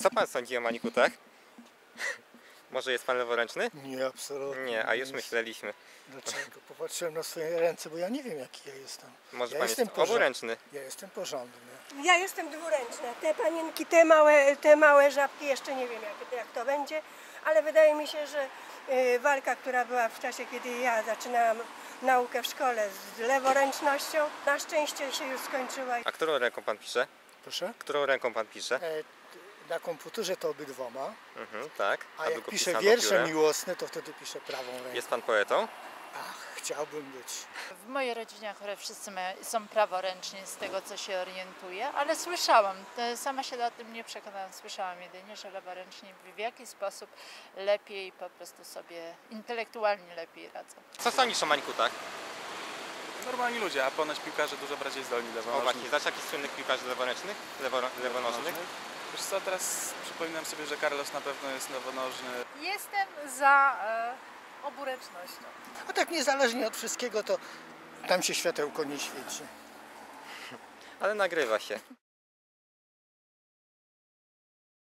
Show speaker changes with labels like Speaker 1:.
Speaker 1: Co pan sądzi o manikutach? Może jest pan leworęczny?
Speaker 2: Nie, absolutnie.
Speaker 1: Nie, a już myśleliśmy.
Speaker 2: Dlaczego? Popatrzyłem na swoje ręce, bo ja nie wiem, jaki ja jestem.
Speaker 1: Może
Speaker 2: Ja
Speaker 1: pan jest
Speaker 2: jestem
Speaker 1: oburęczny?
Speaker 2: Ja jestem porządny.
Speaker 3: Ja jestem dwuręczna. Te panienki, te małe żabki, jeszcze nie wiem jak to będzie, ale wydaje mi się, że walka, która była w czasie, kiedy ja zaczynałam naukę w szkole z leworęcznością, na szczęście się już skończyła.
Speaker 1: A którą ręką pan pisze?
Speaker 2: Proszę?
Speaker 1: Którą ręką pan pisze?
Speaker 2: Na komputerze to obydwoma,
Speaker 1: Tak.
Speaker 2: a
Speaker 1: by
Speaker 2: jak
Speaker 1: go
Speaker 2: piszę
Speaker 1: pisano
Speaker 2: wiersze
Speaker 1: piórem?
Speaker 2: miłosne, to wtedy piszę prawą ręką.
Speaker 1: Jest pan poetą?
Speaker 2: Ach, chciałbym być.
Speaker 4: W mojej rodzinie akurat wszyscy są praworęczni, z tego co się orientuję, ale słyszałam, sama się o tym nie przekonałam, słyszałam jedynie, że leworęczni w jakiś sposób lepiej po prostu sobie intelektualnie lepiej radzą.
Speaker 1: Co sądzisz o manikutach?
Speaker 5: Normalni ludzie, a ponoć piłkarze dużo bardziej zdolni
Speaker 1: O
Speaker 5: lewonożni.
Speaker 1: właśnie, znasz jakichś słynnych piłkarzy leworęcznych? Lewonożnych?
Speaker 5: Wiesz co, teraz przypominam sobie, że Carlos na pewno jest lewonożny.
Speaker 6: Jestem za oburęcznością.
Speaker 2: A tak niezależnie od wszystkiego, to tam się światełko nie świeci.
Speaker 1: Ale nagrywa się.